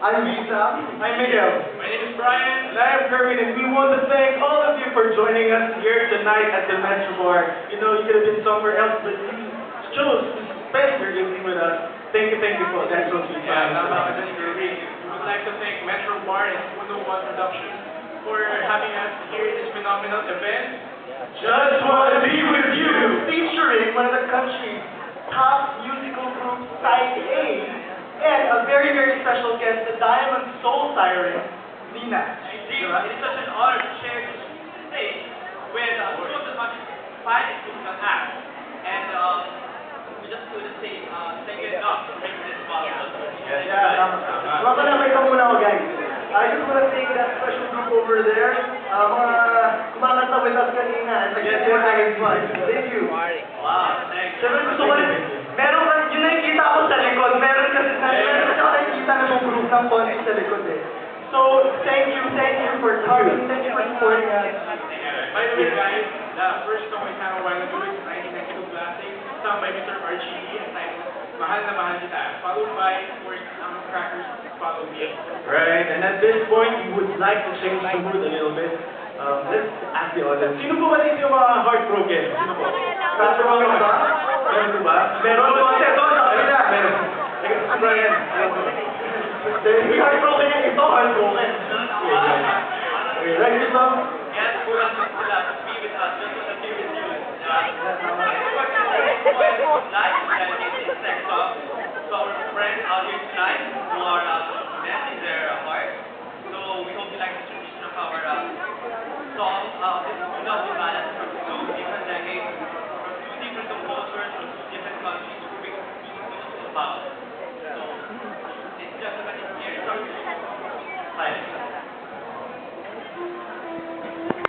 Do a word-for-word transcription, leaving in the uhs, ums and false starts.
I'm Lisa. I'm Miguel. My name is Brian. And I am Kerwin, and we want to thank all of you for joining us here tonight at the Metro Bar. You know, you could have been somewhere else, but you chose to spend your evening with us. Thank you, thank you for that. So sweet. Yeah, tama ka dyan, Kerwin. We would like to thank Metro Bar and Uno One Production for having us here in this phenomenal event. Just wanna be with you, featuring one of the country's top musical groups, Side A, and a very, very special guest, the Diamond Soul Siren, Nina. Indeed, it is such an honor to share this stage with uh, two of the country's finest musical acts. And um, we just want to say uh, thank you enough for making this possible. Yeah, yeah, tama. Mga kalabay ka muna ako, guys. I just want to thank that special group over there. Uh, mga kumakanta with us kanina. And Yes, yes, yes, yes. Thank you. Wow, thanks. Siyempre gusto ko rin, meron ka, yung nakikita ko sa likod, meron kasi, meron kasi ako nakikita na yung group ng konti sa likod eh. So, thank you, thank you for coming, thank you for supporting us. By the way, guys, the first song we sang a while ago is nineteen ninety-two Classic, sung by Mister R G E, entitled Mahal na Mahal Kita, followed by, of course, ang Crackers, Follow Me. Right, and at this point, we would like to change the mood a little bit. Um, let's ask the audience. Sino po ba dito yung mga heartbroken? Sino po? Heartbroken ba? Meron po ba? Meron po. Ito, ito, ito. Meron. Si Brian. Hindi heartbroken yan. Ito, heartbroken. Okay, right, ito. Yes, kulang din sila to be with us, just want to be with you. Diba? Live, dedicated this next song to our friends out here tonight.